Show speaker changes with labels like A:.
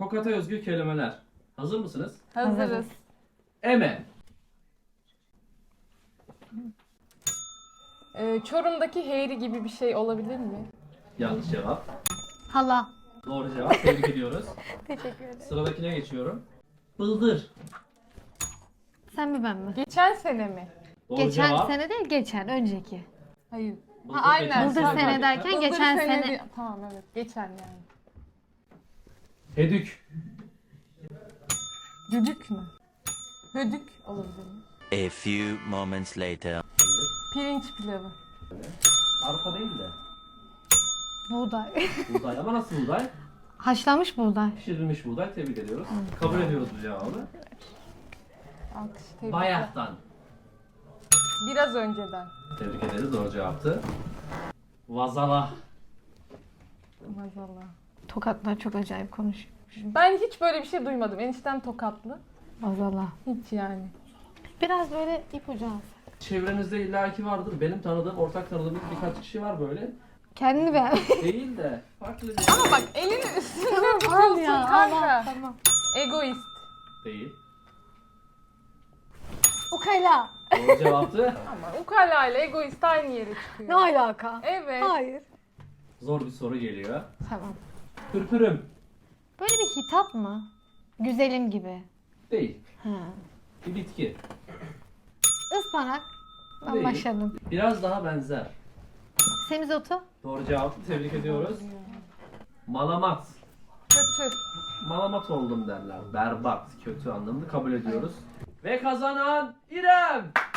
A: Tokat'a özgü kelimeler. Hazır mısınız?
B: Hazırız.
A: Eme.
B: Çorum'daki Heyri gibi bir şey olabilir mi?
A: Yanlış cevap.
C: Hala.
A: Doğru cevap. Tebrik ediyoruz.
C: Teşekkür ederim.
A: Sıradakine geçiyorum. Bıldır.
C: Sen mi ben mi?
B: Geçen sene mi?
A: Doğru
C: Geçen
A: cevap.
C: sene değil, geçen, önceki.
B: Hayır.
A: Bıldır
B: aynen.
A: geçen
C: Bıldır
A: sene
C: sene
A: belki.
C: derken
B: Bıldır
C: geçen
B: sene
C: sene.
B: Tamam evet. Geçen yani.
A: Hedük.
B: Düdük mü? Hödük olabilir mi?
D: A few moments later.
A: Hayır.
B: Pirinç pilavı.
A: Arpa değil de.
C: Buğday.
A: Buğday. Ama nasıl buğday?
C: Haşlanmış buğday.
A: Pişirilmiş buğday. Tebrik ediyoruz. Kabul ediyoruz bu cevabı.
B: Alkış. Tebrikler.
A: Bayahtan.
B: Biraz önceden.
A: Tebrik ederiz. Doğru cevaptı. Vazala.
B: Maazallah.
C: Tokatlar çok acayip konuşuyor.
B: Ben hiç böyle bir şey duymadım. Eniştem Tokatlı.
C: Vazala.
B: Hiç yani.
C: Biraz böyle ipucu al.
A: Çevrenizde illaki vardır. Benim tanıdığım, ortak tanıdığım birkaç kişi var böyle.
C: Kendini beğen.
A: Değil de farklı bir
B: Ama bak elini üstüne
C: Al
B: tutuyorsun
C: ya.
B: kanka.
C: Al, tamam.
B: Egoist.
A: değil.
C: Ukala.
A: Doğru cevaptı.
B: Ama ukala ile egoist aynı yere çıkıyor.
C: Ne alaka?
B: Evet.
C: Hayır.
A: Zor bir soru geliyor.
C: Tamam.
A: Pürpürüm.
C: Böyle bir hitap mı? Güzelim gibi.
A: Değil.
C: Ha.
A: Bir bitki.
C: Ispanak. Ben
A: Değil.
C: başladım.
A: Biraz daha benzer.
C: Semizotu.
A: Doğru cevaptı. Tebrik ediyoruz. Malamat.
B: Kötü.
A: Malamat oldum derler. Berbat, kötü anlamında kabul ediyoruz. Ve kazanan İrem.